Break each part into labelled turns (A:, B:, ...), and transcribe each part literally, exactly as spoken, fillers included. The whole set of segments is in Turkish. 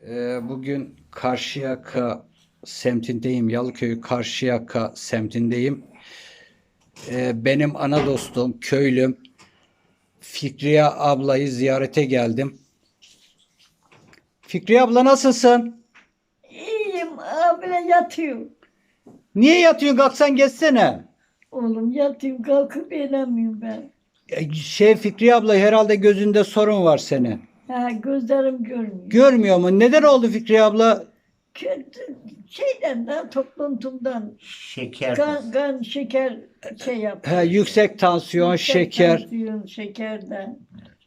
A: Ee, bugün Karşıyaka semtindeyim. Yalıköy Karşıyaka semtindeyim. Ee, benim ana dostum, köylüm Fikriye ablayı ziyarete geldim. Fikriye abla nasılsın?
B: İyiyim abla yatıyorum.
A: Niye yatıyorsun? Kalksan geçsene.
B: Oğlum yatıyorum kalkıp inemiyorum ben.
A: Ee, Şey Fikriye abla herhalde gözünde sorun var senin.
B: Ha, gözlerim görmüyor.
A: Görmüyor mu? Neden oldu Fikriye abla?
B: Kötü şeyden de topluntumdan
C: Şeker.
B: kan, kan şeker şey yapıyor.
A: He, yüksek tansiyon,
B: Yüksek
A: şeker.
B: tansiyon, şekerden.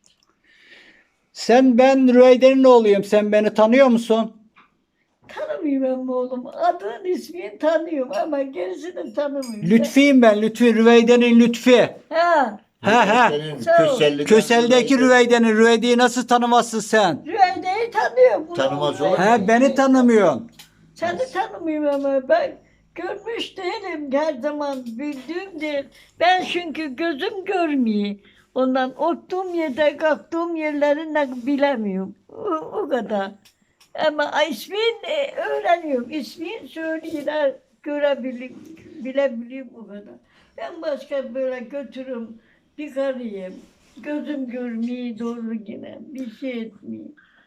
A: Sen ben Rüveyde'nin oğluyum. Sen beni tanıyor musun?
B: Tanımıyorum oğlum. Adın ismini tanıyorum ama gerisini tanımıyorum.
A: Lütfi'yim ben. Lütfi. Rüveyde'nin Lütfi.
B: Ha,
A: He he.
B: Sağ ol.
A: Kösel'deki Rüveyde'nin. Rüveyde'yi nasıl tanımazsın sen?
B: Rüyde'yi tanıyorum. bunu.
C: Tanımaz olur mu?
A: He beni tanımıyorsun.
B: Seni tanımıyorum ama ben görmüş değilim her zaman bildiğim değil. Ben çünkü gözüm görmüyor. Ondan oturduğum yerde kalktığım yerleri ne bilemiyorum. O, o kadar. Ama ismini e, öğreniyorum. İsmini söylüyorlar, görebiliyorum, bilebiliyorum o kadar. Ben başka böyle götürüm, bir karıyım. Gözüm görmüyor doğru yine. Bir şey etmiyor.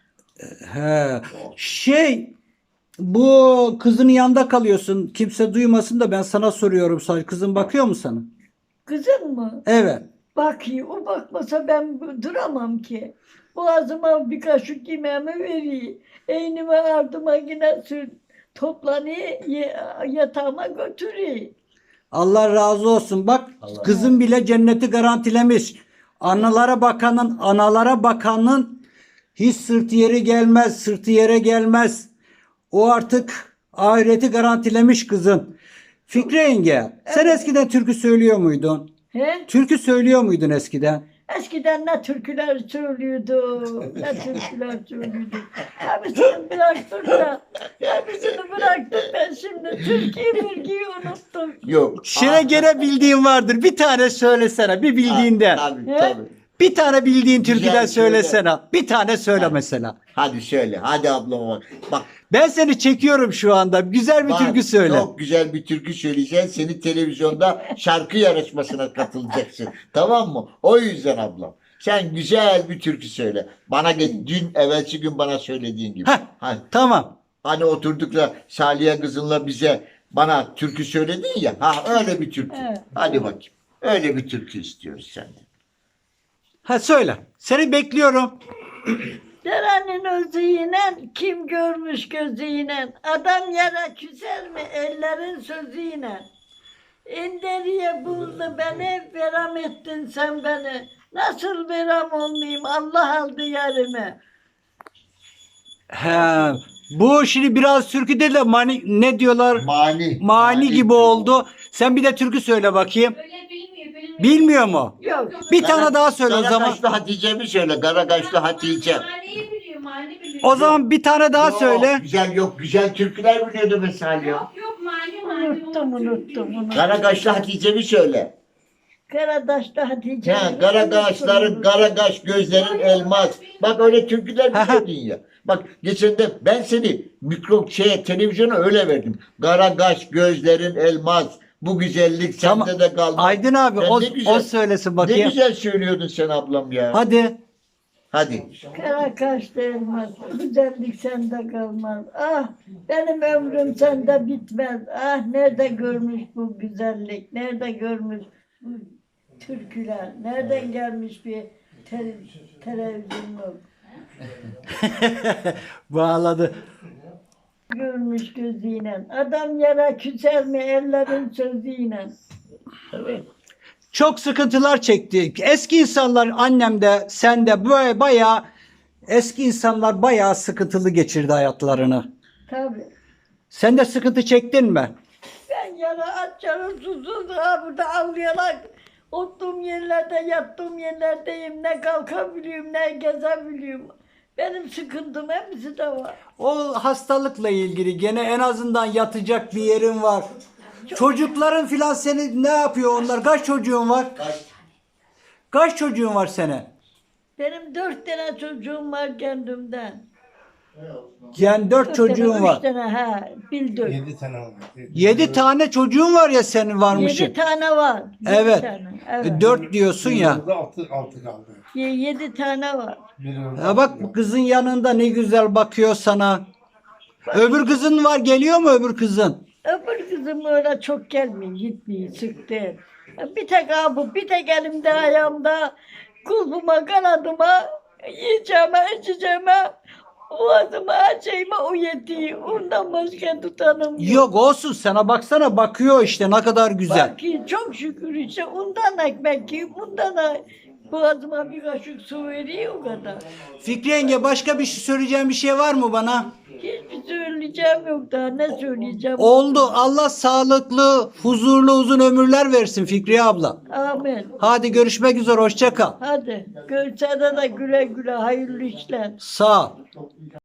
A: He. Şey bu kızının yanında kalıyorsun. Kimse duymasın da ben sana soruyorum sadece. Kızın bakıyor mu sana?
B: Kızım mı?
A: Evet.
B: Bakıyor. O bakmasa ben duramam ki. Boğazıma bir kaşık yemeğimi veriyor. Eynime ardıma yine sür toplanıyor. ye- Yatağıma götürüyor.
A: Allah razı olsun. Bak
C: Allah
A: kızın bile cenneti garantilemiş. Analara bakanın, analara bakanın hiç sırtı yeri gelmez, sırtı yere gelmez. O artık ahireti garantilemiş kızın. Fikri yenge, sen
B: Evet.
A: eskiden türkü söylüyor muydun?
B: He?
A: Türkü söylüyor muydun eskiden?
B: Eskiden ne türküler söylüyordu, ne türküler söylüyordu. Hepsini bıraktık da, hepsini bıraktık ben şimdi Türkiye bilgiyi unuttum.
C: Yok.
A: Şire gene bildiğin vardır. Bir tane söylesene, bir bildiğinden.
C: Tabii
B: He?
C: tabii.
A: Bir tane bildiğin
C: Güzel,
A: türküden
C: söyle.
A: söylesene. Bir tane söyle mesela.
C: Hadi söyle. Hadi ablama bak. Bak.
A: Ben seni çekiyorum şu anda. Güzel bir
C: bak,
A: türkü söyle.
C: Çok güzel bir türkü söyleyeceksin. Seni televizyonda şarkı yarışmasına katılacaksın. Tamam mı? O yüzden ablam. Sen güzel bir türkü söyle. Bana ge- dün evvelsi gün bana söylediğin gibi.
A: Heh.
C: Hani,
A: Tamam.
C: hani oturduk da Saliye kızınla bize bana türkü söyledin ya. Ha öyle bir türkü.
B: Evet.
C: Hadi bakayım. Öyle bir türkü istiyoruz senden.
A: Ha söyle. Seni bekliyorum.
B: Derenin özüyle kim görmüş gözüyle, adam yere küser mi ellerin sözüyle. İnderiye buldu beni, veram ettin sen beni. Nasıl veram olmayayım, Allah aldı yerimi.
A: He. Bu şimdi biraz türkü değil de mani, ne diyorlar?
C: Mani.
A: Mani gibi oldu. Sen bir de türkü söyle bakayım.
D: Öyle bilmiyor, bilmiyor.
A: Bilmiyor mu?
B: Yok.
A: Bir tane daha söyle o zaman.
C: Karakaşlı Hatice'mi söyle. Karakaşlı Hatice.
D: Mahalleyi biliyor, mahalle biliyor.
A: O zaman bir tane daha
C: Yok,
A: söyle.
C: Güzel yok. Güzel türküler biliyordu mesela.
D: Yok yok mahalle mahalle.
B: Unuttum, unuttum, unuttum.
C: Karakaşlı Hatice'mi söyle.
B: Karadaş'ta Hatice.
C: Ha, Karakaşların, Karakaş gözlerin elmas. Bak öyle türküler biliyordun ya. Bak geçen de ben seni mikro şeye televizyona öyle verdim. Karakaş gözlerin elmas. Bu güzellik
A: Tamam.
C: sende de kalmaz.
A: Aydın abi
C: Sen
A: o,
C: ne güzel-
A: o söylesin
C: Ne
A: bakayım.
C: güzel söylüyordun sen ablam ya.
A: Hadi.
C: Hadi.
B: Karakaş değmez, güzellik sende kalmaz. Ah, benim ömrüm sende bitmez. Ah, nerede görmüş bu güzellik, nerede görmüş bu türküler, nereden gelmiş bir te- televizyonluk,
A: Bağladı.
B: görmüş gözüyle. Adam yere küser mi ellerin sözüyle.
A: Çok sıkıntılar çekti. Eski insanlar annem de sen de böyle bayağı eski insanlar bayağı sıkıntılı geçirdi hayatlarını.
B: Tabii.
A: Sen de sıkıntı çektin mi?
B: Ben yara aç yara susuz ha burada ağlayarak oturduğum yerlerde yattığım yerlerdeyim. Ne kalkabiliyorum ne gezebiliyorum. Benim sıkıntım hepsi de var.
A: O hastalıkla ilgili gene en azından yatacak bir yerin var. Çocukların filan seni ne yapıyor onlar? Kaç çocuğun var? Kaç çocuğun var senin?
B: Benim dört tane çocuğum var kendimden.
A: Yani dört
B: Dört
A: çocuğun
B: tane,
A: var.
B: Üç tane ha. Bildim.
E: Yedi tane oldu.
A: Yedi tane çocuğun var ya senin
B: Yedi
A: varmışın.
B: tane var. Yedi
A: Evet.
B: Tane.
A: E,
B: Evet.
A: Dört diyorsun ya.
E: Altı, altı, altı kaldı.
B: Ye- Yedi tane var.
E: Biri öldü,
A: Ha
E: altı
A: bak
E: kaldı.
A: kızın yanında ne güzel bakıyor sana. Öbür kızın var, geliyor mu öbür kızın?
B: Öbür kızım öyle çok gelmiyor, gitmiyor, sıktı. Bir tek abi, bir tek elimde ayağımda, kulbuma, kanadıma, yiyeceğime, içeceğime, boğazıma, her şeyime o yetiyor. Ondan başka tutanım yok.
A: Yok olsun, sana baksana, bakıyor işte ne kadar güzel.
B: Bak ki çok şükür işte ondan ekmek yiyor, bundan da boğazıma bir kaşık su veriyor o kadar.
A: Fikri yenge, başka bir şey söyleyeceğim bir şey var mı bana?
B: Hiçbir söyleyeceğim yok daha, ne söyleyeceğim?
A: Oldu. Allah sağlıklı, huzurlu, uzun ömürler versin Fikriye abla.
B: Amin.
A: Hadi görüşmek üzere, hoşça kal.
B: Hadi, görüşene de güle güle, hayırlı işler.
A: Sağ ol.